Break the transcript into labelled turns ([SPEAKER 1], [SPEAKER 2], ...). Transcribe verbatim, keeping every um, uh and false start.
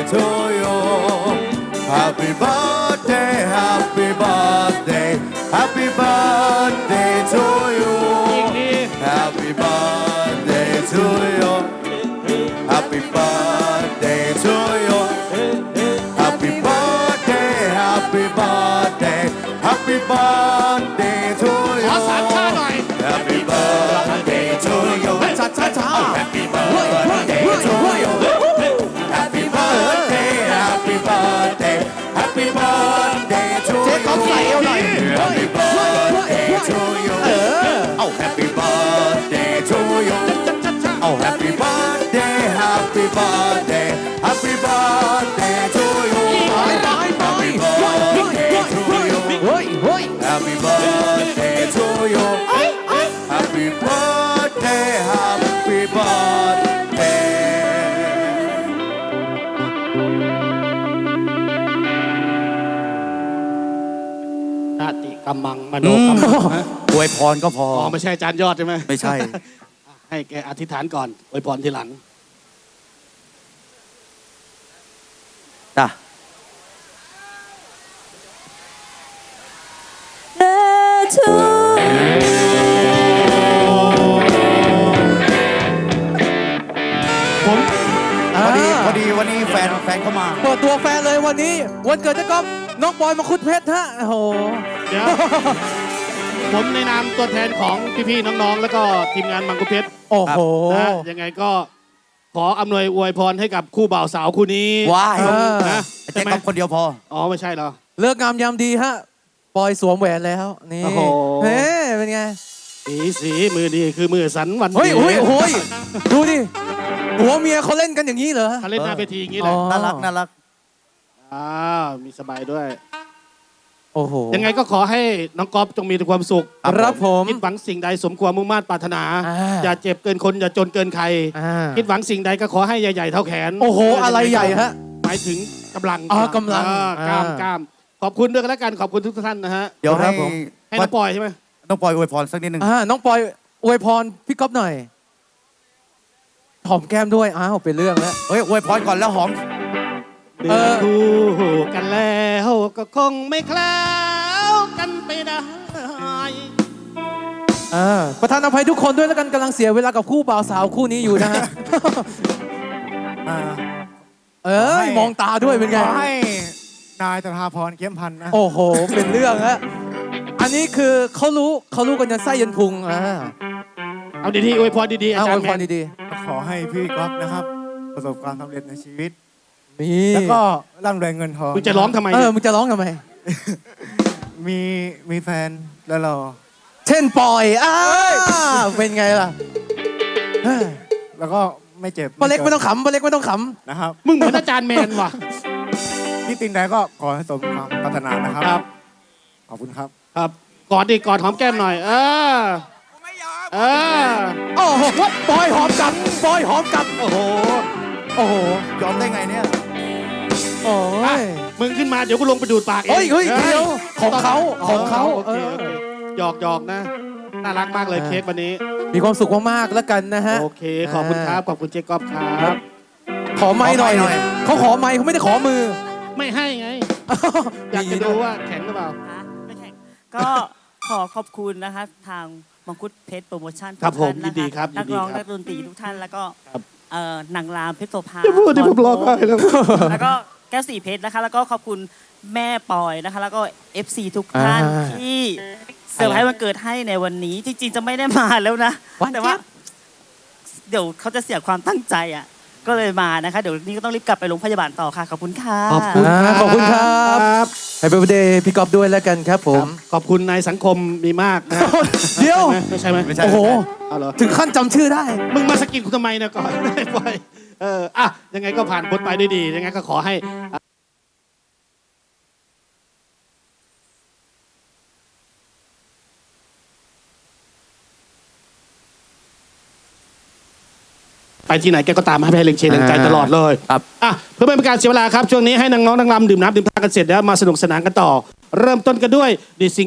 [SPEAKER 1] to you Happy birthday Happy birthday Happy birthday to you Happy birthday to you Happy birthday to you Happy birthday Happy birthday Happy birthday to you
[SPEAKER 2] ขอสามชาหน่อย
[SPEAKER 1] Happy birthday to you
[SPEAKER 3] ช้าช้าช้า
[SPEAKER 1] Happy birthday to you Happy birthday Happy birthday Happy birthday to you
[SPEAKER 3] เจ๊ก๊อฟใส่เอาหน่อย
[SPEAKER 1] Happy birthday to you
[SPEAKER 3] เออ
[SPEAKER 1] Oh Happy birthday to you Oh Happy birthday Happy birthday Happy birthday to you
[SPEAKER 3] ไปไปไป
[SPEAKER 1] Happy birthday to you
[SPEAKER 3] เฮ้ยเฮ้ย
[SPEAKER 1] Happy birthday to you Happy birthday Happy birthday
[SPEAKER 2] นาติกำมังมโนกำมังฮะ
[SPEAKER 1] อวยพรก็พอ
[SPEAKER 2] อ๋อไม่ใช่อาจารย์ยอดใช่ไหม
[SPEAKER 1] ไม่ใช่
[SPEAKER 2] ให้แกอธิษฐานก่อนอวยพรทีหลัง
[SPEAKER 1] จ้ะ
[SPEAKER 4] to
[SPEAKER 3] ผม
[SPEAKER 1] พอดีพอดีวันนี้แฟนแฟนเข้ามา
[SPEAKER 3] เปิดตัวแฟนเลยวันนี้ วันเกิดเจ๊ก๊อฟน้องปอยมาคุดเพชรฮะโอ้โห
[SPEAKER 2] เดี๋ยว ผมในนามตัวแทนของพี่ๆน้องๆแล้วก็ทีมงานมังคุเพชร
[SPEAKER 3] โอ้โห
[SPEAKER 2] นะยังไงก็ขออำนวยอวยพรให้กับคู่บ่าวสาวคู่นี้
[SPEAKER 1] ว้าย
[SPEAKER 2] นะ
[SPEAKER 1] เจ๊
[SPEAKER 2] ใช่ไหม
[SPEAKER 1] กับคนเดียวพอ
[SPEAKER 2] อ๋อไม่ใช่เหรอ
[SPEAKER 3] เลิกงามยามดีฮะปอยสวมแหวนแล้วนี่
[SPEAKER 2] โอ้โห
[SPEAKER 3] เฮ้เป็นไง
[SPEAKER 2] สีสีมือดีคือมือสันวัน
[SPEAKER 3] เฮ้ย
[SPEAKER 2] ดี
[SPEAKER 3] เฮ้ยเฮ้ยดูดิหัวเมียเขาเล่นกันอย่างนี้เหรอ
[SPEAKER 2] เขาเล่นหน้าเวทีอย่างนี้แห
[SPEAKER 3] อ๋
[SPEAKER 2] ละ
[SPEAKER 3] อ
[SPEAKER 1] น่ารักน่ารัก
[SPEAKER 2] อ้าวมีสบายด้วย
[SPEAKER 3] โอ้โห
[SPEAKER 2] ยังไงก็ขอให้น้องก๊อฟจงมีแต่ความสุข
[SPEAKER 3] ครับผม
[SPEAKER 2] คิดหวังสิ่งใดสมความมุ่งมั่นปรารถนา
[SPEAKER 3] อ่า
[SPEAKER 2] อย่าเจ็บเกินคนอย่าจนเกินใคร
[SPEAKER 3] อ่า
[SPEAKER 2] คิดหวังสิ่งใดก็ขอให้ใหญ่ๆเท่าแขน
[SPEAKER 3] โอ้โหอะไรใหญ่ฮะ
[SPEAKER 2] หมายถึงกำลัง
[SPEAKER 3] อ๋อกำลัง
[SPEAKER 2] เออกล้าม
[SPEAKER 3] อ่าก
[SPEAKER 2] ล้ามขอบคุณด้วยกันแล้วกันขอบคุณทุกท่านนะฮะ
[SPEAKER 1] เดี๋ยว
[SPEAKER 3] ครั
[SPEAKER 1] ให้
[SPEAKER 3] บผม
[SPEAKER 2] ให้น้องปอยใช่ไหม
[SPEAKER 1] ต้องปล่อยอวยพรสักนิดนึง
[SPEAKER 3] อ่าน้องปอยอวยพรพี่ก๊อฟหน่อยหอมแก้มด้วยอ้าวเป็นเรื่องแล้ว
[SPEAKER 1] เฮ้ยอวยพรก่อนแล้วหอม
[SPEAKER 2] เดือนคู่กันแล้วก็คงไม่คล้าวกันไปได้
[SPEAKER 3] อ่าประธานอภัยทุกคนด้วยแล้วกันกำลังเสียเวลากับคู่บ่าวสาวคู่นี้อยู่นะฮะ
[SPEAKER 5] อ่า
[SPEAKER 3] เอ้ยมองตาด้วยเป็นไง
[SPEAKER 5] ขอให้นายตถาพรเกี้ยมพันธ์นะ
[SPEAKER 3] โอ้โห เป็นเรื่องฮะอันนี้คือเขารู้เขารู้กันยันไส้ยันพุงอ่า
[SPEAKER 2] เอาดีๆอวยพรดีๆอา
[SPEAKER 3] เอา
[SPEAKER 2] จาร
[SPEAKER 3] อวย
[SPEAKER 2] ย์
[SPEAKER 3] พ
[SPEAKER 2] แม
[SPEAKER 3] ร
[SPEAKER 2] น
[SPEAKER 3] ดี
[SPEAKER 5] ขอให้พี่ก๊อฟนะครับ ประสบความสำเร็จในชีวิต
[SPEAKER 3] ๆนี่
[SPEAKER 5] แล้วก็ร่ำรวยเงินทอง
[SPEAKER 2] มึงจะร้องทำไม
[SPEAKER 3] เอ
[SPEAKER 2] เนี่
[SPEAKER 3] อย มึงจะร้องทำไม
[SPEAKER 5] มีมีแฟนแล้วรอ
[SPEAKER 3] เช่นปอยอ้าเป็นไงล่ะเฮ้ย
[SPEAKER 5] แล้วก็ไม่เจ็บ
[SPEAKER 3] ป้าเล็กไม่ต้องขำป้าเล็กไม่ต้องข
[SPEAKER 5] นะครับ
[SPEAKER 2] มึงเหมือนอาจารย์แมนว่ะ
[SPEAKER 5] ที่ติงใดก็ขอให้สมความปรารถนานะครับ
[SPEAKER 2] ครับ
[SPEAKER 5] ขอบคุณครับ
[SPEAKER 2] ครับกอดดิกอดหอมแก้มหน่อย เออเออ
[SPEAKER 3] ำโอ้โหปอยหอมกลับปอยหอมกลับ
[SPEAKER 2] โอ้โห
[SPEAKER 3] โอ้โห
[SPEAKER 1] ยอมได้ไงเนี่ย
[SPEAKER 3] โอ้
[SPEAKER 2] อ่ะ
[SPEAKER 3] ย
[SPEAKER 2] มึงขึ้นมาเดี๋ยวกูลงไปดูดปากเอง
[SPEAKER 3] เฮ้ยเฮ้ยเดี๋ยวของเขาของเขา
[SPEAKER 2] โอเค
[SPEAKER 3] เออ
[SPEAKER 2] โอเคหยอกหยอกนะ น่ารักมากเลย
[SPEAKER 3] อ่า
[SPEAKER 2] เค้กวันนี้
[SPEAKER 3] มีความสุขมากๆแล้วกันนะฮะ
[SPEAKER 2] โอเค ขอบคุณครับ ขอบคุณเจ๊ก๊อฟครับ
[SPEAKER 3] ขอไม้หน่อย
[SPEAKER 1] ขอไมค์หน่อย
[SPEAKER 3] เขาขอไม้เขาไม่ได้ขอมือ
[SPEAKER 2] ไม่ให้ไง อยากจะดูว่าแข็งหรือเปล่า
[SPEAKER 4] คะไม่แข่งก็ขอขอบคุณนะคะทางมังคุดเพชรโปรโมชั่น
[SPEAKER 2] ครับ
[SPEAKER 4] ทุกท่าน
[SPEAKER 2] ผมยินดี
[SPEAKER 4] นะะ
[SPEAKER 2] ครับยิ
[SPEAKER 4] นั
[SPEAKER 2] น
[SPEAKER 4] ก
[SPEAKER 2] ดี
[SPEAKER 4] ร้อง
[SPEAKER 2] ครับ
[SPEAKER 4] นักดนตรีทุกท่านแล้วก็
[SPEAKER 2] ครับ
[SPEAKER 4] เอ่อนางรามเพชรโสภา
[SPEAKER 2] อย่าพูดที่ผมร้องไห้แล้ว
[SPEAKER 4] แล้วก็แก้วสีเพชรนะคะ แล้วก็ขอบคุณแม่ปอยนะคะ แล้วก็ เอฟ ซี ทุกท่าน
[SPEAKER 3] อ่า
[SPEAKER 4] ที่เซอร์ไพรส์วันเกิดให้ในวันนี้ จริงๆจะไม่ได้มาแล้วนะ
[SPEAKER 3] หวาน
[SPEAKER 4] แต่ว่า
[SPEAKER 3] เจี๊ยบ
[SPEAKER 4] เดี๋ยวเขาจะเสียความตั้งใจอ่ะก็เลยมานะคะ เดี๋ยวนี้ก็ต้องรีบกลับไปโรงพยาบาลต่อค่ะขอบคุณค่ะ
[SPEAKER 2] ขอบคุณ
[SPEAKER 3] อ่า
[SPEAKER 2] ครับ
[SPEAKER 3] ขอบคุณครับให้เบอร์เดย์พี่กอบด้วยแล้วกันครับผม
[SPEAKER 2] ขอบคุณนายสังคมมีมากนะ
[SPEAKER 3] เดี๋ยว
[SPEAKER 2] ไม่ใช่ไหม
[SPEAKER 1] ไม่ใช่
[SPEAKER 3] โอ้โห
[SPEAKER 2] เอาเหรอ
[SPEAKER 3] ถึงขั้นจำชื่อได้
[SPEAKER 2] มึงมาสกิดกูทำไมเนี่ยก่อน ไม่ปล่อยเอออ่ะยังไงก็ผ่านพ้นไปด้วยดี ยังไงก็ขอให้ ไปที่ไหนแกก็ตามให้ให้เล็งเชียร์แรงใจตลอดเลย
[SPEAKER 1] ครับ
[SPEAKER 2] อ่ะเพื่อไม่เป็นการเสียเวลาครับ ช่วงนี้ให้น้องๆนักรำดื่มน้ำดื่มท่ากันเสร็จแล้วมาสนุกสนานกันต่อ เริ่มต้นกันด้วยดิซิง